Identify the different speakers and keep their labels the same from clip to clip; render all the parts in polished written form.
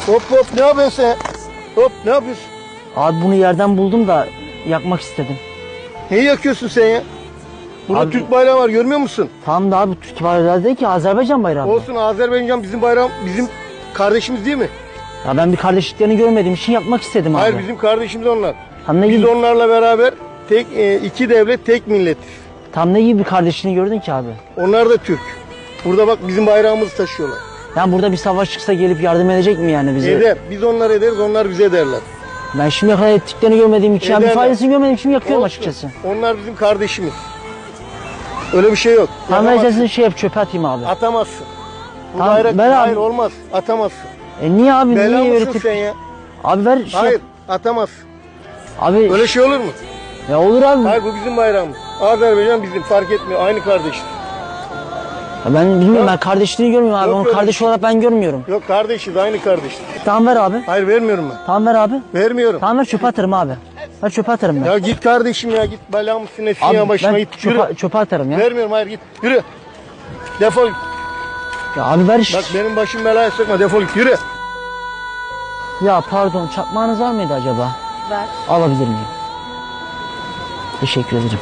Speaker 1: Hop hop, ne yapıyorsun sen? Hop, ne yapıyorsun?
Speaker 2: Abi bunu yerden buldum da yakmak istedim.
Speaker 1: Neyi yakıyorsun sen ya? Burada
Speaker 2: Abi-
Speaker 1: Türk bayrağı var, görmüyor musun?
Speaker 2: Tamam da abi Türk bayrağı değil ki, Azerbaycan bayrağı.
Speaker 1: Olsun, Azerbaycan bizim bayram, bizim kardeşimiz değil mi?
Speaker 2: Ya ben bir kardeşliklerini görmediğim için yapmak istedim abi.
Speaker 1: Hayır, bizim kardeşimiz onlar.
Speaker 2: Tam ne
Speaker 1: Biz
Speaker 2: gibi,
Speaker 1: onlarla beraber iki devlet, tek millet.
Speaker 2: tam ne gibi bir kardeşliğini gördün ki abi?
Speaker 1: Onlar da Türk. Burada bak bizim bayrağımızı taşıyorlar.
Speaker 2: Yani burada bir savaş çıksa gelip yardım edecek mi yani bize?
Speaker 1: Eder. Biz onlar ederiz, onlar bize ederler.
Speaker 2: Ben şimdiye kadar ettiklerini görmediğim için, yani bir
Speaker 1: Ederler.
Speaker 2: faydasını görmediğim için yakıyorum
Speaker 1: Olsun.
Speaker 2: açıkçası.
Speaker 1: Onlar bizim kardeşimiz. Öyle bir şey yok.
Speaker 2: Tam
Speaker 1: Yakamazsın.
Speaker 2: meselesini şey yap, çöpe atayım abi.
Speaker 1: Atamazsın. Bu
Speaker 2: Tamam,
Speaker 1: bayrak
Speaker 2: ver abi.
Speaker 1: hayır olmaz. Atamazsın.
Speaker 2: Niye abi,
Speaker 1: Bela
Speaker 2: niye
Speaker 1: mısın
Speaker 2: öğretip...
Speaker 1: sen ya?
Speaker 2: Abi ver şey
Speaker 1: Hayır,
Speaker 2: yap.
Speaker 1: atamazsın.
Speaker 2: Abi
Speaker 1: Öyle şey olur mu?
Speaker 2: ya olur abi.
Speaker 1: Hayır, bu bizim bayrağımız. Azerbaycan bizim, fark etmiyor. Aynı kardeşiz.
Speaker 2: Ya ben bilmiyorum, ben kardeşliğini görmüyorum abi.
Speaker 1: Yok
Speaker 2: Onu
Speaker 1: öyle
Speaker 2: kardeş
Speaker 1: bir şey.
Speaker 2: olarak ben görmüyorum.
Speaker 1: Yok, kardeşiz, aynı kardeşiz.
Speaker 2: Tamam ver abi.
Speaker 1: Hayır, vermiyorum ben.
Speaker 2: Tamam ver abi.
Speaker 1: Vermiyorum.
Speaker 2: Tamam ver, çöpe atarım abi. Ver çöpe atarım ben.
Speaker 1: Ya git kardeşim ya, git belamı sinesin
Speaker 2: Abi
Speaker 1: ya, başıma
Speaker 2: ben
Speaker 1: git. Yürü.
Speaker 2: çöpe atarım ya.
Speaker 1: Vermiyorum, hayır, git. Yürü. Defol git.
Speaker 2: Ya abi ver
Speaker 1: Bak benim başım belaya sokma, defol git. Yürü.
Speaker 2: Ya pardon, çakmağınız var mıydı acaba?
Speaker 3: Ver.
Speaker 2: Alabilir miyim? Teşekkür ederim.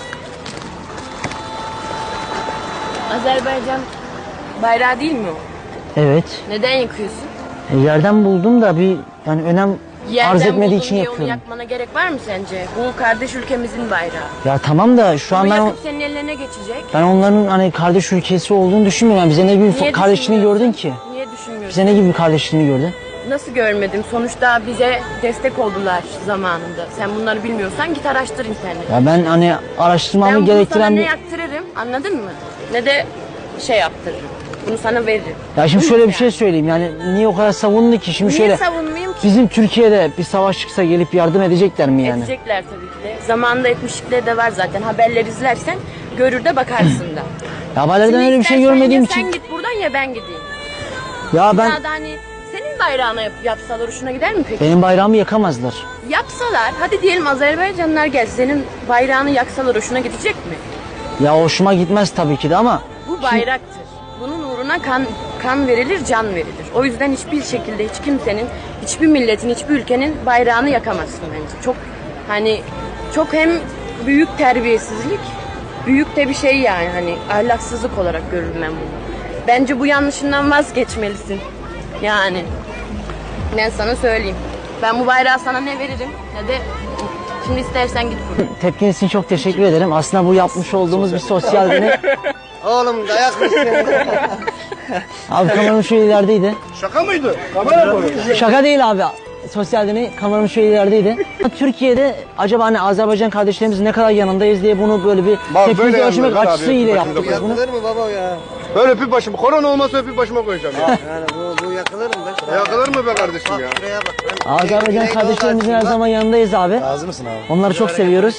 Speaker 3: Azerbaycan bayrağı değil mi o?
Speaker 2: Evet.
Speaker 3: Neden yakıyorsun?
Speaker 2: Yerden buldum da bir yani önem arz etmediği
Speaker 3: buldun
Speaker 2: için
Speaker 3: diye
Speaker 2: yapıyorum.
Speaker 3: Onu yakmana gerek var mı sence? Bu kardeş ülkemizin bayrağı.
Speaker 2: Ya tamam da şu an
Speaker 3: Bunu
Speaker 2: ben
Speaker 3: yakıp senin ellerine geçecek.
Speaker 2: ben onların hani kardeş ülkesi olduğunu düşünmüyorum. Yani bize ne gibi
Speaker 3: Niye
Speaker 2: kardeşliğini
Speaker 3: düşünmüyorsun?
Speaker 2: gördün ki?
Speaker 3: Niye düşünmüyorsun?
Speaker 2: Bize ne gibi bir kardeşliğini gördün?
Speaker 3: Nasıl görmedim? Sonuçta bize destek oldular zamanında. Sen bunları bilmiyorsan git araştır internette.
Speaker 2: Ya ben hani araştırmamı
Speaker 3: Ben bunu sana
Speaker 2: gerektiren
Speaker 3: ne
Speaker 2: bir...
Speaker 3: yaktırırım, anladın mı? Ne de şey yaptırırım. Bunu sana veririm.
Speaker 2: Ya şimdi
Speaker 3: Bu
Speaker 2: şöyle bir
Speaker 3: yani.
Speaker 2: şey söyleyeyim, yani niye o kadar savundu ki? Şimdi
Speaker 3: Niye
Speaker 2: şöyle
Speaker 3: savunmayayım ki?
Speaker 2: bizim Türkiye'de bir savaş çıksa gelip yardım edecekler mi yani?
Speaker 3: Edecekler tabii ki de. Zamanında etmişlikleri de var zaten. Haberleri izlersen görür de bakarsın da.
Speaker 2: Ya haberlerden
Speaker 3: Şimdi
Speaker 2: öyle bir şey
Speaker 3: istersen
Speaker 2: görmediğim
Speaker 3: ya
Speaker 2: için.
Speaker 3: sen git buradan ya ben gideyim.
Speaker 2: Ya ben
Speaker 3: Ya da hani senin bayrağına yapsalar hoşuna gider mi peki?
Speaker 2: benim bayrağımı yakamazlar.
Speaker 3: Yapsalar, hadi diyelim Azerbaycanlılar gel senin bayrağını yaksalar hoşuna gidecek mi?
Speaker 2: Ya hoşuma gitmez tabii ki de ama
Speaker 3: Bu bayraktır. Bunun uğruna kan verilir, can verilir. O yüzden hiçbir şekilde hiç kimsenin, hiçbir milletin, hiçbir ülkenin bayrağını yakamazsın bence. Çok hani çok hem büyük terbiyesizlik, büyük de bir şey yani hani ahlaksızlık olarak görürüm ben bunu. Bence bu yanlışından vazgeçmelisin. Yani ben sana söyleyeyim. Ben bu bayrağı sana ne veririm ne de şimdi istersen git buradan.
Speaker 2: tepkiniz için çok teşekkür ederim. Aslında bu yapmış olduğumuz bir sosyal deney.
Speaker 1: Oğlum dayak mısın?
Speaker 2: Abi kameramın şu ilerideydi.
Speaker 1: Şaka mıydı? Kamera koy.
Speaker 2: Şaka değil abi. Sosyal deney kameramın şu ilerideydi. Türkiye'de acaba hani Azerbaycan kardeşlerimiz ne kadar yanındayız diye bunu böyle bir
Speaker 1: Bak,
Speaker 2: tepkimizi
Speaker 1: böyle
Speaker 2: ölçmek
Speaker 1: yanındayız abi.
Speaker 2: açısıyla
Speaker 1: Bakın
Speaker 2: yaptık biz bunu.
Speaker 4: Yakılır mı baba ya?
Speaker 1: Böyle öpüp başıma. Korona olmasa öpüp başıma koyacağım ya.
Speaker 4: Yani bu yakılır mı be?
Speaker 1: Yakılır mı be kardeşim
Speaker 4: Bak
Speaker 1: ya?
Speaker 4: şuraya bak.
Speaker 2: Azerbaycan kardeşlerimizin her zaman yanındayız abi.
Speaker 4: Razı mısın abi?
Speaker 2: Onları çok seviyoruz.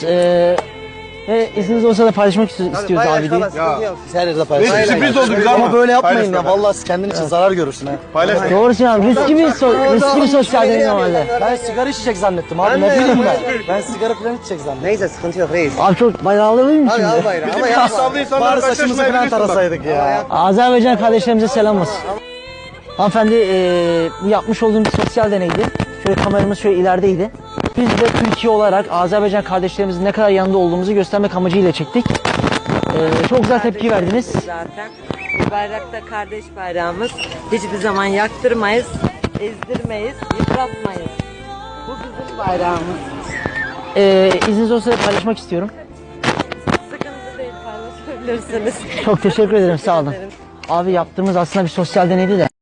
Speaker 2: Ve izniniz olsa da paylaşmak istiyoruz abi diye.
Speaker 4: Biz her yerde paylaşıyoruz.
Speaker 1: Sürpriz oldu bize
Speaker 4: Ama böyle yapmayın ya.
Speaker 1: Paylaşma.
Speaker 4: Vallahi siz kendin için zarar görürsün ha.
Speaker 1: Paylaş.
Speaker 2: Doğru abi. Riskli bir sosyal deney normalde.
Speaker 4: Ben sigara içecek zannettim abi. Ne bileyim ben. Ben sigara falan içecek zannettim.
Speaker 5: Neyse sıkıntı yok reis.
Speaker 2: Abi çok bayrağı alabilir miyim
Speaker 5: Abi
Speaker 2: şimdi?
Speaker 5: al bayrağı ama
Speaker 1: Bizim
Speaker 5: yapma.
Speaker 1: kasablı insanlar
Speaker 4: Bari saçımızı falan tarasaydık ya.
Speaker 2: Azerbaycan kardeşlerimize selam olsun. Hanımefendi bu yapmış olduğum bir sosyal deneydi. Şöyle kameramız şöyle ilerideydi. Biz de Türkiye olarak Azerbaycan kardeşlerimizin ne kadar yanında olduğumuzu göstermek amacıyla çektik. Çok güzel tepki verdiniz.
Speaker 6: Zaten bu bayrakta kardeş bayrağımız. Hiçbir zaman yaktırmayız, ezdirmeyiz, yıpratmayız. Bu bizim bayrağımız.
Speaker 2: İzniniz olsa da paylaşmak istiyorum.
Speaker 6: Sıkıntı değil, paylaşabilirsiniz.
Speaker 2: Çok teşekkür ederim, sağ olun. Abi yaptığımız aslında bir sosyal deneydi de.